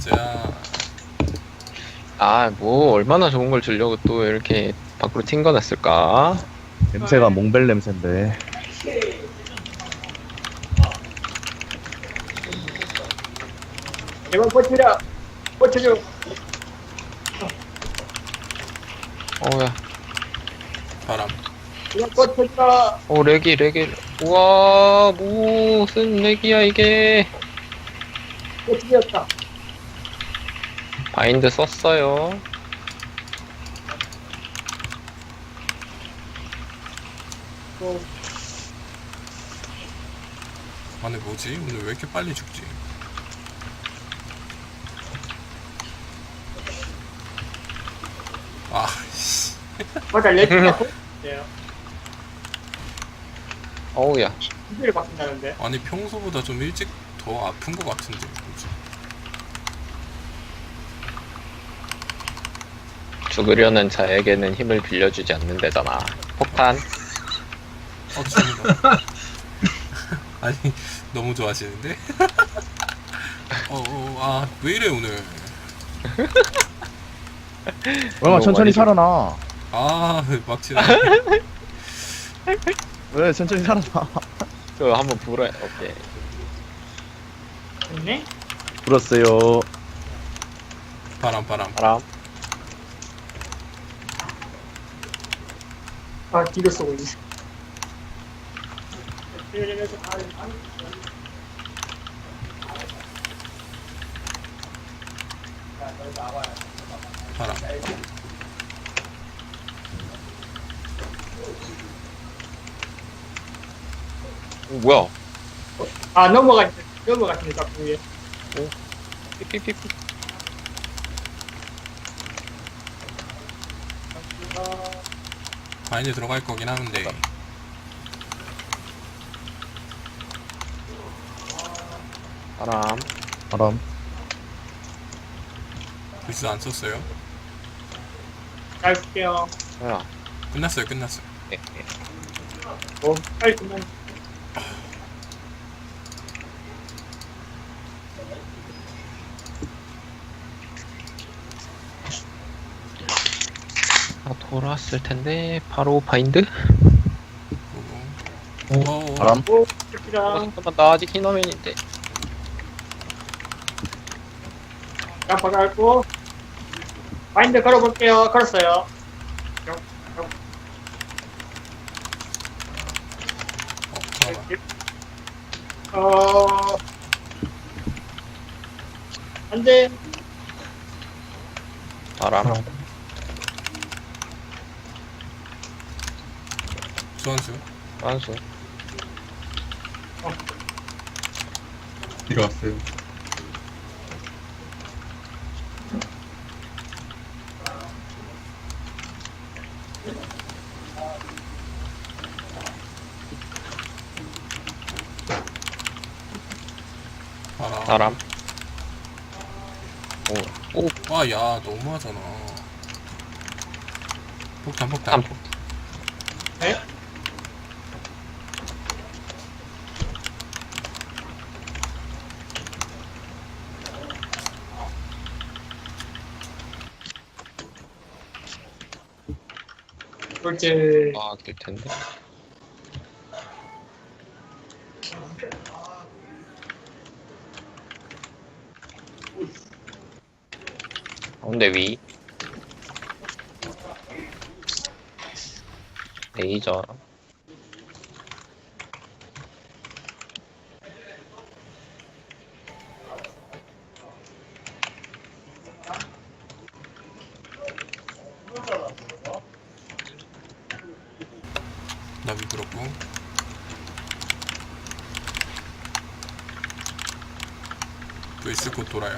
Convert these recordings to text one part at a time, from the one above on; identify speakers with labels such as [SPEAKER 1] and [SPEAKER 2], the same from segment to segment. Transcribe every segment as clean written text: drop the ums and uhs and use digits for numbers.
[SPEAKER 1] 가자.
[SPEAKER 2] 아, 뭐 얼마나 좋은 걸 주려고 또 이렇게 밖으로 튕겨냈을까?
[SPEAKER 3] 냄새가 몽벨 냄새인데.
[SPEAKER 4] 제발 버텨라. 버텨줘.
[SPEAKER 2] 어우야,
[SPEAKER 1] 바람.
[SPEAKER 4] 제발 버텨라.
[SPEAKER 2] 렉이. 우와, 무슨 렉이야 이게?
[SPEAKER 4] 버텨졌다.
[SPEAKER 2] 바인드 썼어요.
[SPEAKER 1] 아니 뭐지? 오늘 왜 이렇게 빨리 죽지? 아, 씨.
[SPEAKER 4] 맞아, 레트가
[SPEAKER 2] 어우야,
[SPEAKER 4] 기대를 바꾼다는데.
[SPEAKER 1] 아니 평소보다 좀 일찍 더 아픈 것 같은데 뭐지?
[SPEAKER 2] 죽으려는 자에게는 힘을 빌려주지 않는다잖아. 폭탄.
[SPEAKER 1] 죽는다. 아니 너무 좋아하시는데? 왜 이래 오늘?
[SPEAKER 3] 얼마 천천히
[SPEAKER 2] 많이
[SPEAKER 3] 살아나.
[SPEAKER 1] 막치네.
[SPEAKER 3] 왜 천천히 살아나.
[SPEAKER 2] 저 한번 불어. 오케이.
[SPEAKER 4] 됐네?
[SPEAKER 3] 불었어요.
[SPEAKER 1] 바람.
[SPEAKER 2] 바람.
[SPEAKER 4] 아, 뒤로 쏘고 있네.
[SPEAKER 1] 바람.
[SPEAKER 2] 뭐야?
[SPEAKER 4] 아, 넘어갔습니다, 그 위에.
[SPEAKER 2] 삐삐삐삐.
[SPEAKER 1] 바인드 들어갈 거긴 하는데.
[SPEAKER 2] 바람.
[SPEAKER 3] 바람.
[SPEAKER 1] 글쎄 안 썼어요.
[SPEAKER 4] 잘 쓸게요.
[SPEAKER 2] 뭐야?
[SPEAKER 1] 끝났어요.
[SPEAKER 2] 예.
[SPEAKER 4] 빨리 그만.
[SPEAKER 2] 돌아왔을 텐데 바로 바인드?
[SPEAKER 1] 보고.
[SPEAKER 3] 바람.
[SPEAKER 4] 오, 좋다.
[SPEAKER 2] 잠깐만, 나 아직 흰화면인데.
[SPEAKER 4] 자, 박아갖고. 마인드 걸어볼게요. 걸었어요.
[SPEAKER 1] 잠깐만.
[SPEAKER 4] 안 돼.
[SPEAKER 2] 바람.
[SPEAKER 1] 소환수.
[SPEAKER 2] 완수.
[SPEAKER 5] 들어왔어요.
[SPEAKER 1] 바람.
[SPEAKER 2] 바람. 오,
[SPEAKER 1] 야 너무하잖아. 폭탄.
[SPEAKER 2] 탐포.
[SPEAKER 4] 네? 둘째.
[SPEAKER 2] 아, 될 텐데. 가운데 위. 레이저.
[SPEAKER 1] 나 미끄럽고. 브이스 곧 돌아요.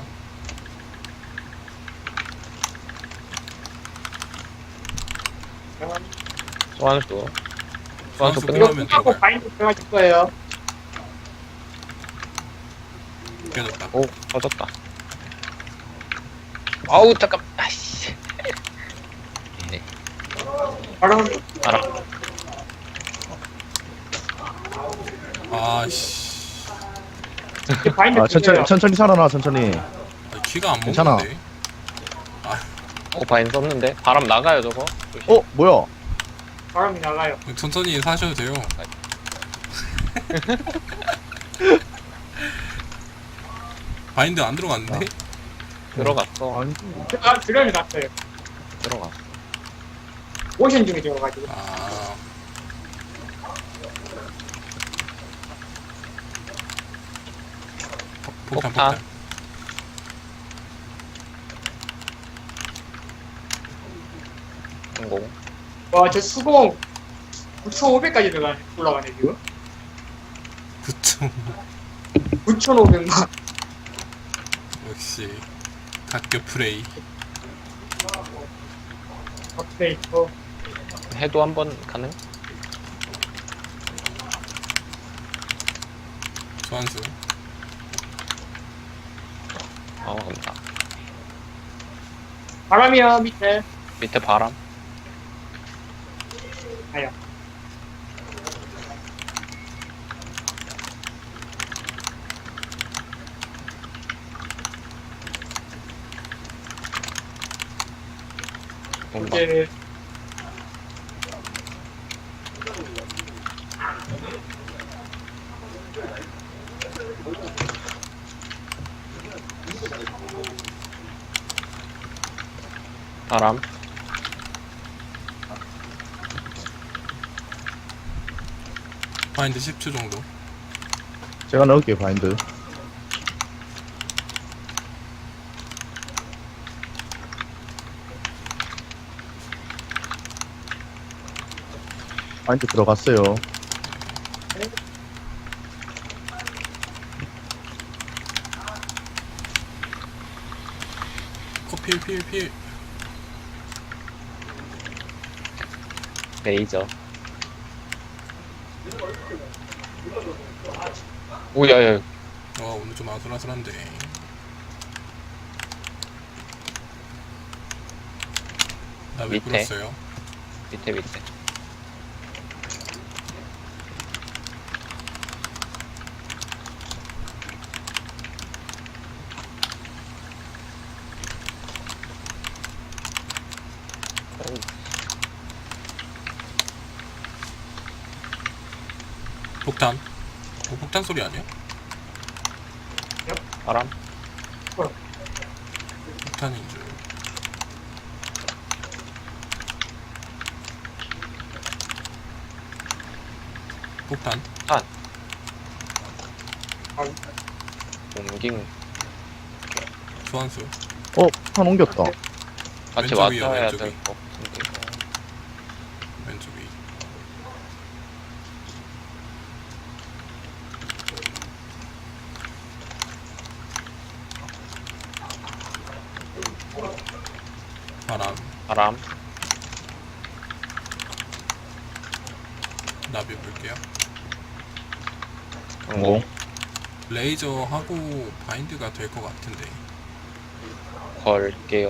[SPEAKER 2] 소환수.
[SPEAKER 1] 소환수
[SPEAKER 2] 끝나.
[SPEAKER 4] 이거
[SPEAKER 1] 끝나면
[SPEAKER 4] 끝나고
[SPEAKER 1] 들어가요.
[SPEAKER 4] 바인드 들어가실 거예요.
[SPEAKER 1] 깨졌다.
[SPEAKER 2] 오, 터졌다. 아우, 잠깐. 아이씨. 네,
[SPEAKER 4] 바람.
[SPEAKER 2] 바람.
[SPEAKER 1] 아씨.
[SPEAKER 4] 바인드
[SPEAKER 3] 아,
[SPEAKER 4] 들어가요.
[SPEAKER 3] 천천히 살아나, 천천히.
[SPEAKER 1] 키가 안
[SPEAKER 3] 괜찮아.
[SPEAKER 1] 먹는데.
[SPEAKER 2] 바인 썼는데 바람 나가요 저거. 조심.
[SPEAKER 3] 어 뭐야?
[SPEAKER 4] 바람이 나가요.
[SPEAKER 1] 천천히 사셔도 돼요. 바인드 안 들어갔는데?
[SPEAKER 2] 들어갔어.
[SPEAKER 3] 아니
[SPEAKER 4] 아, 드럼이 났어요.
[SPEAKER 2] 들어갔어.
[SPEAKER 4] 모션 중에 들어가지고.
[SPEAKER 1] 아, 폭탄,
[SPEAKER 2] 폭탄.
[SPEAKER 1] 폭탄.
[SPEAKER 2] 성공.
[SPEAKER 4] 와, 저 수공 9,500까지 올라가네, 지금.
[SPEAKER 1] 9점.
[SPEAKER 4] 9,500만.
[SPEAKER 1] 역시 각격 플레이.
[SPEAKER 4] 오케이, 어.
[SPEAKER 2] 해도 한번 가능?
[SPEAKER 1] 소환수.
[SPEAKER 2] 간다.
[SPEAKER 4] 바람이야, 밑에.
[SPEAKER 2] 밑에 바람.
[SPEAKER 4] 아야.
[SPEAKER 2] 온다.
[SPEAKER 4] 이제,
[SPEAKER 2] 바람.
[SPEAKER 1] 바인드 10초 정도.
[SPEAKER 3] 제가 넣을게요 바인드. 바인드 들어갔어요.
[SPEAKER 1] 필.
[SPEAKER 2] 레이저. 오야야.
[SPEAKER 1] 오늘 좀 아슬아슬한데. 나 왜
[SPEAKER 2] 밑에.
[SPEAKER 1] 불었어요?
[SPEAKER 2] 밑에.
[SPEAKER 1] 폭탄. 폭탄 소리 아니야?
[SPEAKER 2] 바람.
[SPEAKER 1] 폭탄인 줄. 폭탄.
[SPEAKER 2] 옮긴.
[SPEAKER 1] 소환수.
[SPEAKER 3] 폭탄 옮겼다.
[SPEAKER 2] 같이
[SPEAKER 1] 왼쪽 위야,
[SPEAKER 2] 왔어야
[SPEAKER 1] 왼쪽
[SPEAKER 2] 될
[SPEAKER 1] 위.
[SPEAKER 2] 것 같은데.
[SPEAKER 1] 왼쪽 위.
[SPEAKER 2] 바람.
[SPEAKER 1] 나비 볼게요.
[SPEAKER 2] 성공.
[SPEAKER 1] 레이저 하고 바인드가 될 것 같은데.
[SPEAKER 2] 걸게요.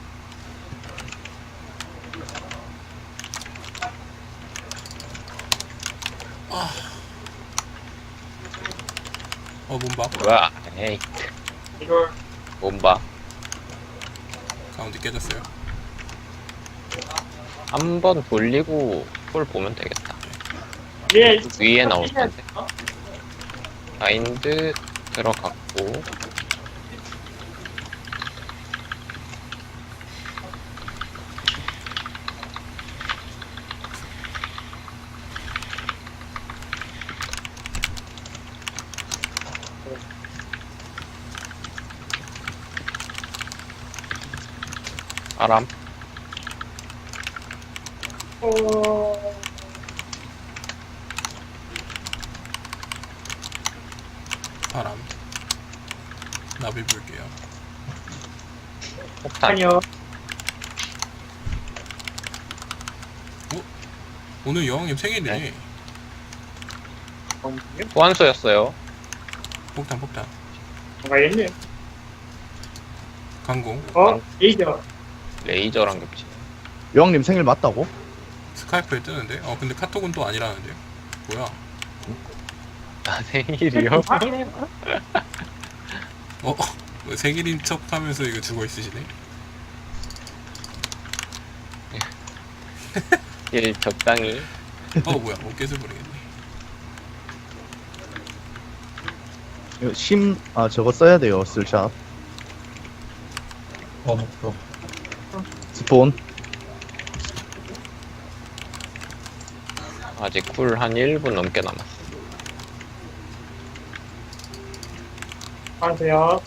[SPEAKER 1] 몸박.
[SPEAKER 2] 와, 에이,
[SPEAKER 4] 이걸,
[SPEAKER 2] 몸봐.
[SPEAKER 1] 가운데 깨졌어요.
[SPEAKER 2] 한 번 돌리고 폴 보면 되겠다.
[SPEAKER 4] 예,
[SPEAKER 2] 위에 나올 건데. 바인드 들어갔고. 바람.
[SPEAKER 1] 바람. 나비 볼게요.
[SPEAKER 2] 폭탄.
[SPEAKER 4] 아니요.
[SPEAKER 1] 오늘 여왕님 생일이네.
[SPEAKER 2] 네. 소환수였어요.
[SPEAKER 1] 폭탄.
[SPEAKER 4] 가겠네.
[SPEAKER 1] 강공.
[SPEAKER 4] 레이저.
[SPEAKER 2] 레이저랑 겹치네.
[SPEAKER 3] 여왕님 생일 맞다고?
[SPEAKER 1] 스카이프에 뜨는데? 근데 카톡은 또 아니라는데요? 뭐야?
[SPEAKER 2] 나 생일이요?
[SPEAKER 1] 뭐 세길인 척 하면서 이거 죽어 있으시네.
[SPEAKER 2] 일 적당히.
[SPEAKER 1] 뭐야, 깨져 버리겠네.
[SPEAKER 3] 이거 저거 써야 돼요, 슬샵.
[SPEAKER 5] 목표.
[SPEAKER 3] 스폰.
[SPEAKER 2] 아직 쿨 한 1분 넘게 남았어.
[SPEAKER 4] 안녕하세요.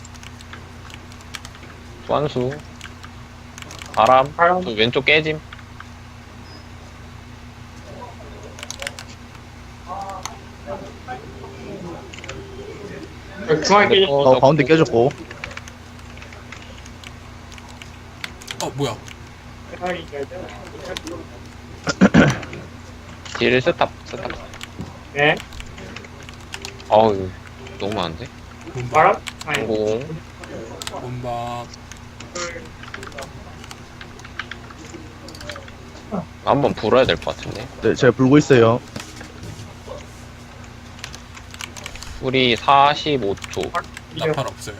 [SPEAKER 2] 소환수. 바람.
[SPEAKER 4] 바람.
[SPEAKER 2] 또 왼쪽 깨짐.
[SPEAKER 4] 중앙에 깨져.
[SPEAKER 3] 가운데 깨졌고.
[SPEAKER 1] 뭐야.
[SPEAKER 2] 딜 스탑.
[SPEAKER 4] 네.
[SPEAKER 2] 어우, 너무 많은데?
[SPEAKER 1] 본박.
[SPEAKER 4] 바람. 아니.
[SPEAKER 2] 공.
[SPEAKER 1] 본박.
[SPEAKER 2] 한번 불어야 될 것 같은데.
[SPEAKER 3] 네, 제가 불고 있어요.
[SPEAKER 2] 우리 45초.
[SPEAKER 1] 나팔 없어요.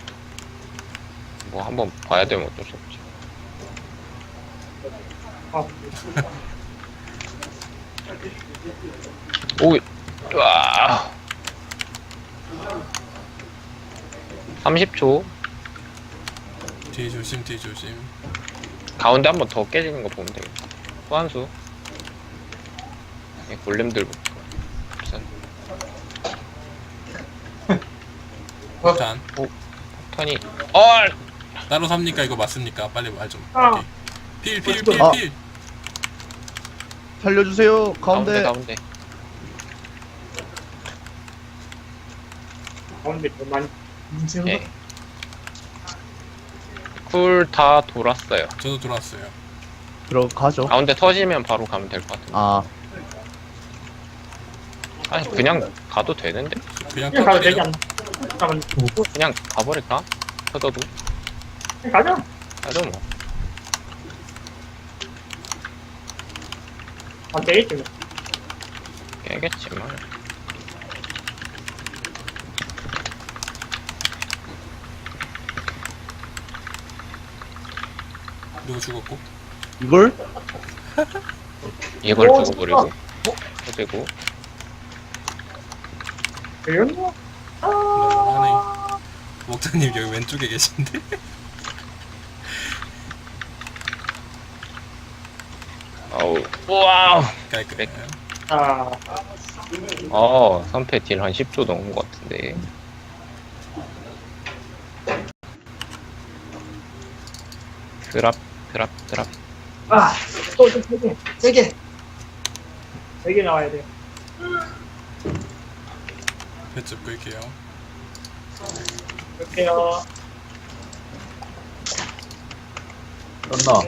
[SPEAKER 2] 뭐 한번 봐야 되면 어쩔 수 없지. 오, 와. 30초.
[SPEAKER 1] 뒤에 조심, 뒤에 조심.
[SPEAKER 2] 가운데 한번 더 깨지는 거 보면 되겠다. 소환수. 골렘들부터. 우선
[SPEAKER 1] 일단
[SPEAKER 2] 턴이. 얼!
[SPEAKER 1] 따로 삽니까? 이거 맞습니까? 빨리 말 좀.
[SPEAKER 4] 아.
[SPEAKER 1] 오케이. 필.
[SPEAKER 3] 아. 살려주세요, 가운데.
[SPEAKER 2] 가운데.
[SPEAKER 4] 가운데 더 많이.
[SPEAKER 2] 예. 쿨 다 돌았어요.
[SPEAKER 1] 저도 들어왔어요.
[SPEAKER 3] 들어가죠.
[SPEAKER 2] 가운데 터지면 바로 가면 될 것 같은데. 아니 그냥 가도 되는데?
[SPEAKER 1] 그냥
[SPEAKER 4] 그냥 가도 되지
[SPEAKER 1] 터뜨려.
[SPEAKER 4] 않나? 잠깐만.
[SPEAKER 2] 그냥 가버릴까? 터져도?
[SPEAKER 4] 그냥 가자.
[SPEAKER 2] 가죠 뭐.
[SPEAKER 4] 안 되겠지 뭐.
[SPEAKER 2] 깨겠지만.
[SPEAKER 1] 누구 죽었고?
[SPEAKER 3] 이걸?
[SPEAKER 2] 이걸
[SPEAKER 4] 오,
[SPEAKER 2] 죽어버리고. 터지고.
[SPEAKER 4] 그랬나?
[SPEAKER 1] 너무하네. 목사님 여기 왼쪽에 계신데?
[SPEAKER 2] 어우. 와우.
[SPEAKER 1] 깔끔해.
[SPEAKER 4] 아,
[SPEAKER 2] 선패 딜 한 10조 넘은 것 같은데. 드랍.
[SPEAKER 4] 아, 또좀 세 개. 세 개 나와야 돼.
[SPEAKER 1] 배즙 끌게요.
[SPEAKER 4] 이렇게요.
[SPEAKER 3] 떴나?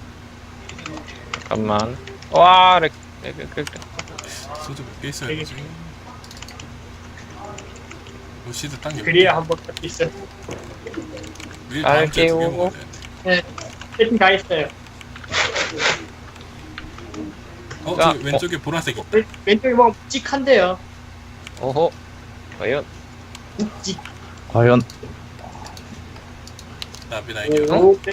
[SPEAKER 2] 잠깐만. 와,
[SPEAKER 1] 소주 몇 개 있어야 되지? 로시드 딱 여기.
[SPEAKER 4] 그래야 한번 할수 있어.
[SPEAKER 1] 우리 다음 주에 두개
[SPEAKER 2] 깨우고.
[SPEAKER 1] 먹어야 돼.
[SPEAKER 4] 네, 세팅 다 했어요.
[SPEAKER 1] 저 왼쪽에 보라색 있다.
[SPEAKER 4] 왼쪽에 보면 묵직한데요.
[SPEAKER 2] 오호. 과연.
[SPEAKER 4] 묵직.
[SPEAKER 3] 과연.
[SPEAKER 1] 나비 나이겨.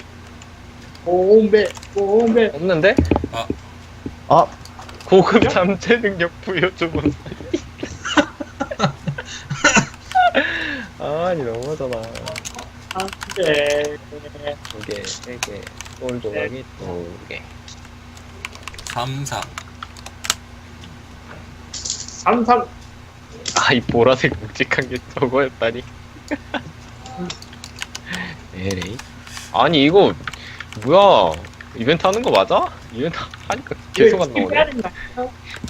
[SPEAKER 4] 공배.
[SPEAKER 2] 없는데?
[SPEAKER 3] 아,
[SPEAKER 2] 고급 잠재 능력 부여 주문. 아니 너무하잖아.
[SPEAKER 4] 안 돼.
[SPEAKER 2] 2개, 3개, 돌 조각이 2개.
[SPEAKER 1] 3.
[SPEAKER 4] 33.
[SPEAKER 2] 아, 이 보라색 묵직한 게 저거였다니. 에레이. 아니 이거 뭐야? 이벤트 하는 거 맞아? 이벤트 하니까 계속 안 나오네.
[SPEAKER 4] 해야 된다.